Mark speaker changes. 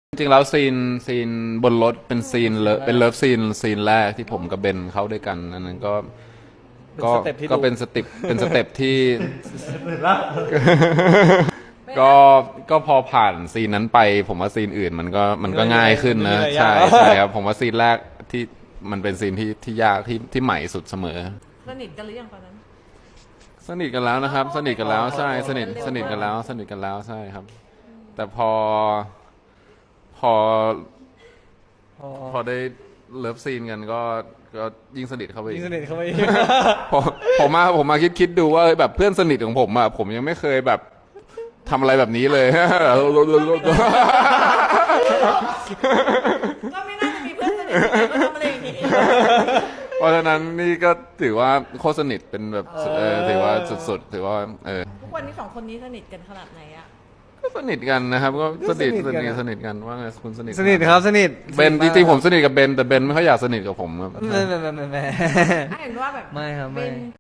Speaker 1: จริงๆแล้วซีนบนรถเป็นซีนเป็นเลิฟซีนแรกที่ผมกับเบนเข้าด้วยกันอันนั้นก็เป็นสเต็ปที่ ก็พอผ่านซีนนั้นไป ผมว่าซีนอื่นมันก็ง่ายขึ้นนะใช่ครับผมว่าซีนแรกที่มันเป็นซีนที่ยากที่ใหม่สุดเสมอ
Speaker 2: สนิทกันหรือยังตอนนั้น
Speaker 1: สนิทกันแล้วนะครับสนิทกันแล้วใช่สนิทกันแล้วใช่ครับแต่พอได้เลิฟซีนกันก็ยิ่งสนิทเข้าไป
Speaker 3: ยิ่งสนิทเข้าไปอีก
Speaker 1: ผมมาคิดดูว่าแบบเพื่อนสนิทของผมอะผมยังไม่เคยแบบทำอะไรแบบนี้เลย
Speaker 2: ก็ไม่น่าจะมีเพื่อนสนิทที่ไหนมาทำอะไรอย่างนี้
Speaker 1: เพราะฉะนั้นนี่ก็ถือว่าโคตรสนิทเป็นแบบถือว่าสุดๆถือว่า
Speaker 2: ทุกวันนี้2 คนนี้สนิทกันขนาดไหนอะ
Speaker 1: ก็สนิทกันนะครับก็สนิทกันว่าไงคุณสนิท
Speaker 3: สนิทครับสนิท
Speaker 1: เบนจริงๆผมสนิทกับเบนแต่เบนไม่ค่อยอยากสนิทกับผมครับ
Speaker 3: ไม่
Speaker 2: เห็นว่าแบบ
Speaker 3: ไม่ครับไม่
Speaker 2: เป็น